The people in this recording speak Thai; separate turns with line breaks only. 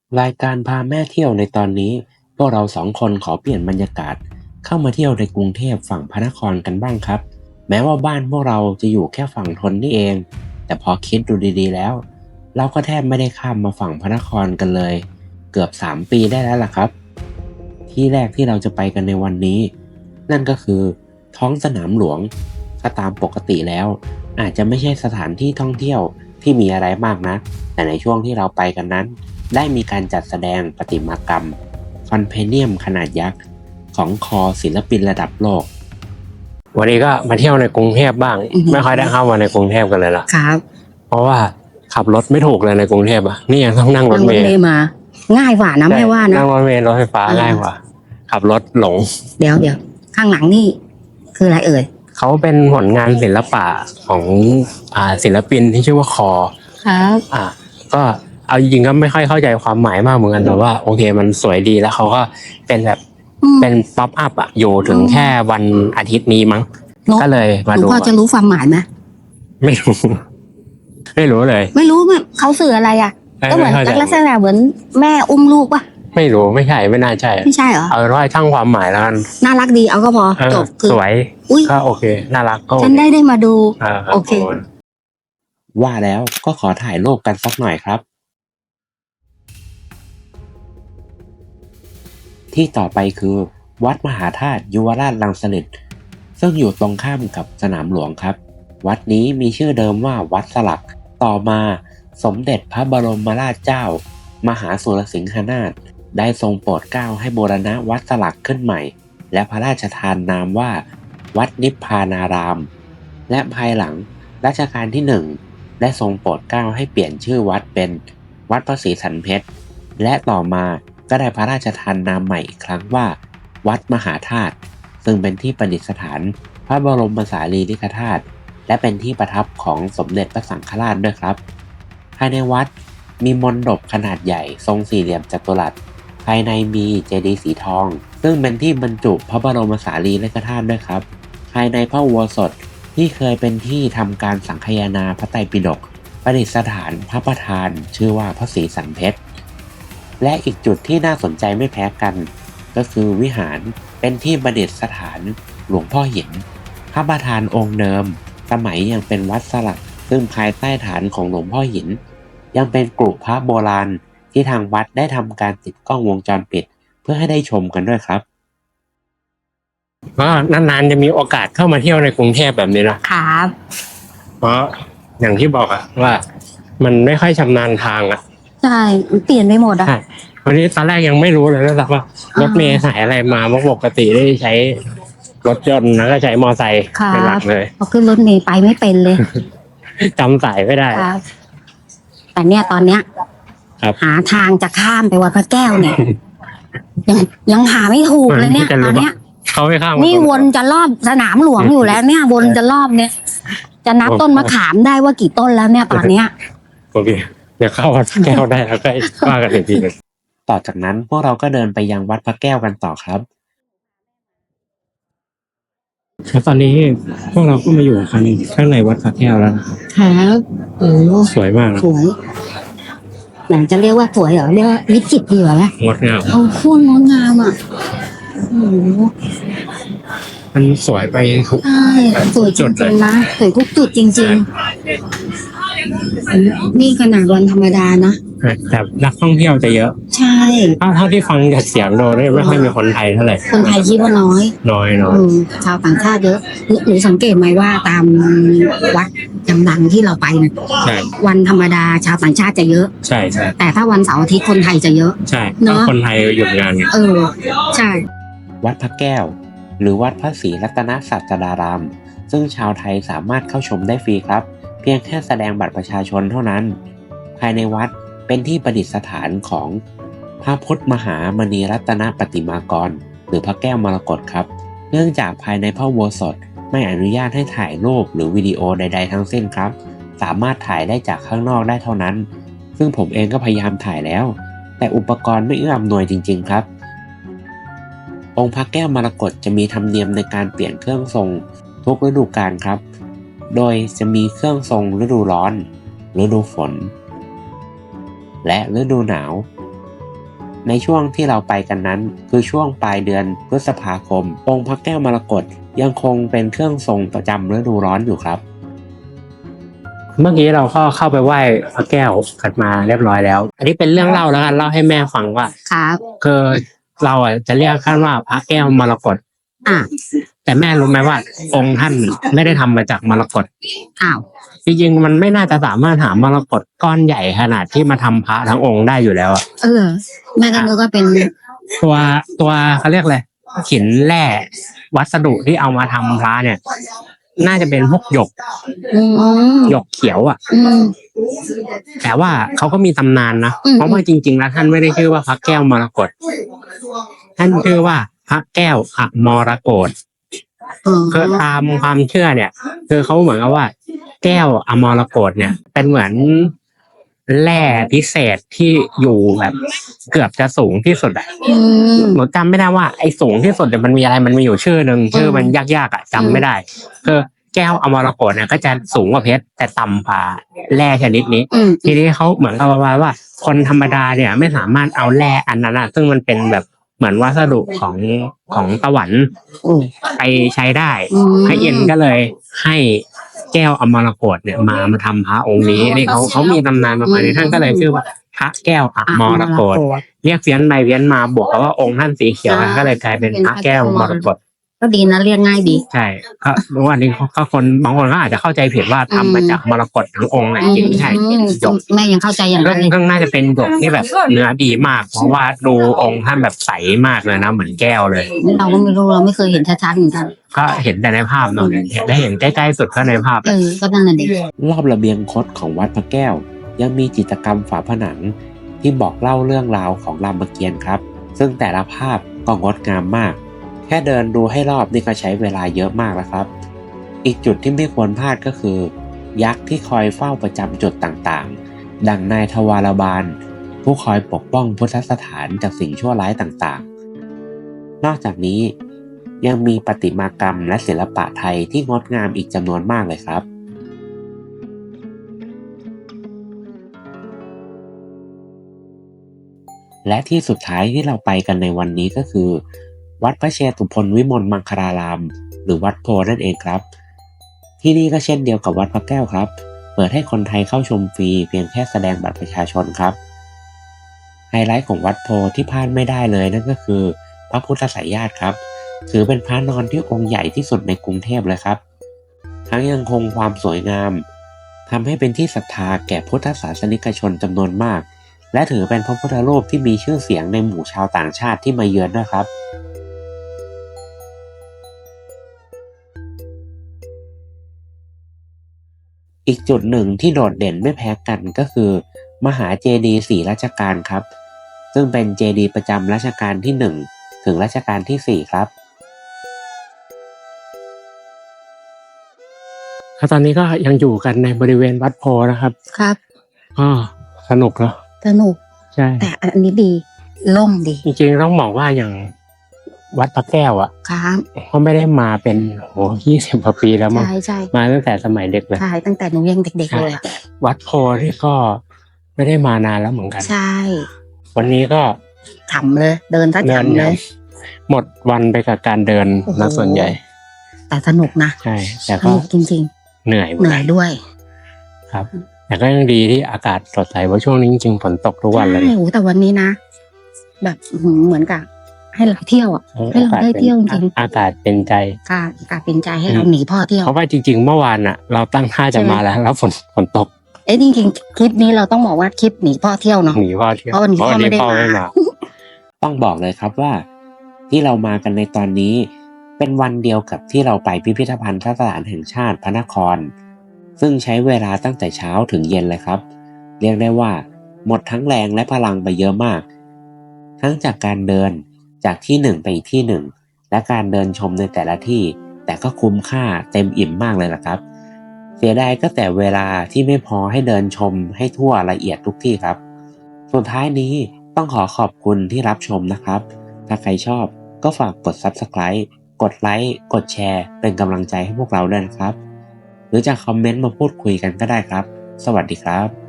รายการพาแม่เที่ยวในตอนนี้พวกเราสองคนขอเปลี่ยนบรรยากาศเข้ามาเที่ยวในกรุงเทพฝั่งพระนครกันบ้างครับแม้ว่าบ้านพวกเราจะอยู่แค่ฝั่งทนนี่เองแต่พอคิดดูดีๆแล้วเราก็แทบไม่ได้ข้ามมาฝั่งพระนครกันเลยเกือบ3 ปีได้แล้วล่ะครับที่แรกที่เราจะไปกันในวันนี้นั่นก็คือท้องสนามหลวงถ้าตามปกติแล้วอาจจะไม่ใช่สถานที่ท่องเที่ยวที่มีอะไรมากนะแต่ในช่วงที่เราไปกันนั้น ได้มีการจัดแสดงประติมากรรมคอนเพเนียมขนาดยักษ์ของคอศิลปินระดับโลกวันนี้ก็มาเที่ยวในกรุงเทพบ้างไม่ค่อยได้เข้ามาในกรุงเทพกันเลยล่ะ
ครับ
เพราะว่าขับรถไม่ถูกเลยในกรุงเทพอ่ะนี่ยังต้องนั่งรถเมล์
มาง่ายกว่านะไม่ว่านะ
นั่งรถเมล์รถไฟฟ้าง่ายกว่าขับรถหลง
เดี๋ยวข้างหลังนี่คืออะไรเอ่ย
เขาเป็นผลงานศิลปะของศิลปินที่ชื่อว่าคอ
ครับ
ก็เอาจริงๆก็ไม่ค่อยเข้าใจความหมายมากเหมือนกันแต่ว่าโอเคมันสวยดีแล้วเขาก็เป็นแบบเป็นป๊อปอัพอยู่ถึงแค่วันอาทิตย์นี้มั้งก็เลยมาดู
พอจะรู้ความหมายไหม
ไม่รู้ไม่รู้เลย
ไม่รู้มันเขาสื่ออะไรก็เหมือนลักษณะเหมือนแม่อุ้มลูกป่ะ
ไม่รู้ไม่ใช่ไม่น่าใช่
ไม่ใช่เหรอ
เอาว่าช่างความหมายแล้วกัน
น่ารักดีเอาก็พอจบ
สวยก็โอเคน่ารักก็
ฉันได้มาดูโอเค
ว่าแล้วก็ขอถ่ายรูปกันสักหน่อยครับที่ต่อไปคือวัดมหาธาตุยุวราชรังสฤษฎ์ซึ่งอยู่ตรงข้ามกับสนามหลวงครับวัดนี้มีชื่อเดิมว่าวัดสลักต่อมาสมเด็จพระบรมราชเจ้ามหาสุรสิงหนาถได้ทรงโปรดเกล้าให้บูรณะวัดสลักขึ้นใหม่และพระราชทานนามว่าวัดนิพพานารามและภายหลังรัชกาลที่1ได้ทรงโปรดเกล้าให้เปลี่ยนชื่อวัดเป็นวัดพระศรีสันเพชรและต่อมาก็ได้พระราชทานนามใหม่อีกครั้งว่าวัดมหาธาตุซึ่งเป็นที่ประดิษฐานพระบรมสารีริกธาตุและเป็นที่ประทับของสมเด็จพระสังฆราชด้วยครับภายในวัดมีมณฑปขนาดใหญ่ทรงสี่เหลี่ยมจัตุรัสภายในมีเจดีย์สีทองซึ่งเป็นที่บรรจุพระบรมสารีริกธาตุด้วยครับภายในพระอุโบสถที่เคยเป็นที่ทำการสังคายนาพระไตรปิฎกประดิษฐานพระประธานชื่อว่าพระศรีสันเพชรและอีกจุดที่น่าสนใจไม่แพ้กันก็คือวิหารเป็นที่ประดิษฐานหลวงพ่อหินพระประธานองค์เดิมสมัยยังเป็นวัดสลักซึ่งภายใต้ฐานของหลวงพ่อหินยังเป็นกรุพระโบราณที่ทางวัดได้ทำการติดกล้องวงจรปิดเพื่อให้ได้ชมกันด้วยครับก็นานๆจะมีโอกาสเข้ามาเที่ยวในกรุงเทพแบบนี้
นะครับ
เพราะอย่างที่บอกว่ามันไม่ค่อยชำนาญทาง
ใช่เปลี่ยนไปหมด
ใช่วันนี้ตอนแรกยังไม่รู้เลยนะครับว่ารถเมล์สายอะไรมาเพราะปกติได้ใช้รถยนต์แล้วก็ใช้มอไซค์เป็นหลักเลย
พอขึ้นรถเมล์ไปไม่เป็นเลย
จำสายไม่ได้
แต่เนี่ยตอนเนี้ยหาทางจะข้ามไปวัดพระแก้วเนี่ยยังหาไม่ถูกเลยเนี่ยตอนเนี้ย
เขาไม่ข้าม
นี่วนจะรอบสนามหลวงอยู่แล้วเนี่ยวนจะรอบเนี่ยจะนับต้นมะขามได้ว่ากี่ต้นแล้วเนี่ยตอนเนี้ย
โอเคเดี๋ยวเข้าวัดพระแก้วได้แล้วก็ว่ากันอีกทีนึงต่อจากนั้นพวกเราก็เดินไปยังวัดพระแก้วกันต่อครับแล้วตอนนี้พวกเราก็มาอยู่ข้างในวัดพระแก้วแล้ว
ครับ
สวยมาก
สวยหลังจะเรียกว่าสวยเหรอเรียกว่าวิจิตรดีกว่าไหม
งดงาม
โคตรงดงาม
มันสวยไปทุก
สวยจริงๆนะสวยทุกจุดจริงๆนี่ขนาดวันธรรมดานะ
แต่นักท่องเที่ยวจะเยอะ
ใช่
เท่าที่ฟังจากเสียงโดยไม่ค่อยมีคนไทยเท่าไหร่
คนไทยคิดว่าน้อยชาวต่างชาติเยอะหรือสังเกตไหมว่าตามวัดดังๆที่เราไปเนี่ยวันธรรมดาชาวต่างชาติจะเยอะ
ใช่
แต่ถ้าวันเสาร์อาทิตย์คนไทยจะเยอะ
ใช่เนาะคนไทยหยุดงาน
ใช่
วัดพระแก้วหรือวัดพระศรีรัตนศาสดารามซึ่งชาวไทยสามารถเข้าชมได้ฟรีครับเพียงแค่แสดงบัตรประชาชนเท่านั้นภายในวัดเป็นที่ประดิษฐานของพระพุทธมหามณีรัตนปฏิมากรหรือพระแก้วมรกตครับเนื่องจากภายในพระอุโบสถไม่อนุญาตให้ถ่ายรูปหรือวิดีโอใดๆทั้งสิ้นครับสามารถถ่ายได้จากข้างนอกได้เท่านั้นซึ่งผมเองก็พยายามถ่ายแล้วแต่อุปกรณ์ไม่เอื้ออำนวยจริงๆครับองค์พระแก้วมรกตจะมีธรรมเนียมในการเปลี่ยนเครื่องทรงทุกฤดูกาลครับโดยจะมีเครื่องทรงฤดูร้อนฤดูฝนและฤดูหนาวในช่วงที่เราไปกันนั้นคือช่วงปลายเดือนพฤษภาคมองค์พระแก้วมรกตยังคงเป็นเครื่องทรงประจำฤดูร้อนอยู่ครับเมื่อกี้เราก็เข้าไปไหว้พระแก้วกันมาเรียบร้อยแล้ว อันนี้เป็นเรื่องเล่าแล้วกันเล่าให้แม่ฟังว่า
ครับ
คือเราจะเรียกท่านว่าพระแก้วมรกต
อ่า
แต่แม่รู้ไหมว่าองค์ท่านไม่ได้ทำมาจากมรกต
อ้าว
จริงๆมันไม่น่าจะสามารถหามรกตก้อนใหญ่ขนาดที่มาทำพระทั้งองค์ได้อยู่แล้วอะ
แม่ก็นึกว่าเป็น
ตัวเขาเรียกอะไรหินแร่วัสดุที่เอามาทำพระเนี่ย น่าจะเป็นพวกหยก
อืม
หยกเขียวอ่ะ
อืม
แต่ว่าเขาก็มีตำนานนะ
อืม
เพราะว่าจริงๆแล้วท่านไม่ได้ชื่อว่าพระแก้วมรกต ท่านชื่อว่าพระแก้วอมรกต คือตามความเชื่อเนี่ย คือเขาเหมือนกับว่า แก้วอมรกตเนี่ย เป็นเหมือนแร่พิเศษที่อยู่แบบเกือบจะสูงที่สุดอะ
อืม
หนูจำไม่ได้ว่าไอ้สูงที่สุดเนี่ยมันมีอะไรมันมีอยู่ชื่อหนึ่งชื่อมันยากๆอ่ะจำไม่ได้คือแก้วอมรกตเนี่ยก็จะสูงกว่าเพชรแต่ต่ำกว่าแร่ชนิดนี้
อืม
ทีนี้เขาเหมือนกับว่าคนธรรมดาเนี่ยไม่สามารถเอาแร่อันนั้นอะซึ่งมันเป็นแบบเหมือนวัสดุของตะวันไปใช้ได้
อืม
พระเอ็นก็เลยให้แก้วอมรกตเนี่ยมาทำพระองค์นี้นี่เขามีตำนานประมาณนี้ท่านก็เลยชื่อว่าพระแก้วอมรกต เรียกเพี้ยนไปเพี้ยนมาบวกกับว่าองค์ท่านสีเขียวก็เลยกลายเป็นพระแก้วมรกต
ก็ดีนะเรียกง่ายดี
ใช่ก็วันนี้ก็คนบางคนก็อาจจะเข้าใจผิดว่าทำมาจากมรกตทั้งองค์นะจริงๆใช่หยก
แม่ยังเข้าใจอย่างนั้นเลย
ก็น่าจะเป็นหยกที่แบบเนื้อดีมาก เพราะว่าดูองค์ท่านแบบใสมากเลยนะเหมือนแก้วเลย
เราก็ไม่รู้เราไม่เคยเห็นชัดๆเหมือนกัน
ก็เห็นแต่ในภาพเนาะได้เห็นใกล้ๆสุดก็ในภาพ
ก็นั่นน่ะดิ
รอบระเบียงคดของวัดพระแก้วยังมีจิตรกรรมฝาผนังที่บอกเล่าเรื่องราวของรามเกียรติ์ครับ ซึ่งแต่ละภาพก็งดงามมาก แค่เดินดูให้รอบนี่ก็ใช้เวลาเยอะมากแล้วครับ อีกจุดที่ไม่ควรพลาดก็คือ ยักษ์ที่คอยเฝ้าประจำจุดต่างๆ ดังนายทวารบาลผู้คอยปกป้องพุทธสถานจากสิ่งชั่วร้ายต่างๆ นอกจากนี้ยังมีประติมากรรมและศิลปะไทยที่งดงามอีกจำนวนมากเลยครับ และที่สุดท้ายที่เราไปกันในวันนี้ก็คือ วัดพระเชตุพนวิมลมังคลาราม หรือวัดโพนั่นเองครับ ที่นี่ก็เช่นเดียวกับวัดพระแก้วครับ เปิดให้คนไทยเข้าชมฟรีเพียงแค่แสดงบัตรประชาชนครับ ไฮไลท์ของวัดโพที่พลาดไม่ได้เลยนั่นก็คือพระพุทธไสยญาติครับ ถือเป็นพระนอนที่องค์ใหญ่ที่สุดในกรุงเทพเลยครับ ทั้งยังคงความสวยงามทำให้เป็นที่ศรัทธาแก่พุทธศาสนิกชนจำนวนมาก และถือเป็นพระพุทธรูปที่มีชื่อเสียงในหมู่ชาวต่างชาติที่มาเยือนด้วยครับ อีกจุดหนึ่งที่โดดเด่นไม่แพ้กันก็คือ มหาเจดีย์4รัชกาลครับ ซึ่งเป็นเจดีย์ประจำรัชกาลที่ 1 ถึงรัชกาลที่ 4 ครับตอนนี้ก็ยังอยู่กันในบริเวณวัดโพนะครับ
ครับ
ก็สนุกเนาะ
สนุก
ใช่
แต่อันนี้ดีล่มดี
จริงๆต้องบอกว่าอย่างวัดพระแก้วอ่ะ
ครับ
ก็ไม่ได้มาเป็น20 กว่าปีแล้วมั้ง
ใช่
มาตั้งแต่สมัยเด็กเลย
ใช่ตั้งแต่หนูยังเด็กๆเลยอะ
วัดโพที่ก็ไม่ได้มานานแล้วเหมือนกัน
ใช่
วันนี้ก็
ฉ่ำเลย เดินซะฉ่ำเลย
หมดวันไปกับการเดิน
โอ้โห
นะส่วนใหญ่
แต่สนุกนะ
ใช่ แต่
ส
ก็
นุกจริง
เหนื่อย
ๆ เหนื่อยด้วย
ครับ แต่ก็ยังดีที่อากาศสดใสเพราะช่วงนี้จริงๆฝนตกทุกวันเลย
ใช่โอ้แต่วันนี้นะ แบบเหมือนกับให้เราเที่ยวอ่ะ ให้เราได้เที่ยวจริง
อากาศเป็นใจ
ๆกาเป็นใจให้เราหนีพ่อเที่ยว
เพราะว่าจริงๆเมื่อวานอ่ะ เราตั้งท่าจะมาแล้วฝนตก
จริงๆคลิปนี้เราต้องบอกว่าคลิปหนีพ่อเที่ยวเนาะ
หนีพ่อเที่ยว
เพราะวันนี้พ่อไม่ได้มา
ต้องบอกเลยครับว่า ที่เรามากันในตอนนี้ เป็นวันเดียวกับที่เราไปพิพิธภัณฑ์สถานแห่งชาติพระนคร ซึ่งใช้เวลาตั้งแต่เช้าถึงเย็นเลยครับ เรียกได้ว่าหมดทั้งแรงและพลังไปเยอะมาก ทั้งจากการเดินจากที่หนึ่งไปอีกที่หนึ่งและการเดินชมในแต่ละที่ แต่ก็คุ้มค่าเต็มอิ่มมากเลยล่ะครับ เสียดายก็แต่เวลาที่ไม่พอให้เดินชมให้ทั่วละเอียดทุกที่ครับ สุดท้ายนี้ต้องขอขอบคุณที่รับชมนะครับ ถ้าใครชอบก็ฝากกด Subscribe กดไลค์กดแชร์เป็นกำลังใจให้พวกเราด้วยนะครับ หรือจะคอมเมนต์มาพูดคุยกันก็ได้ครับ สวัสดีครับ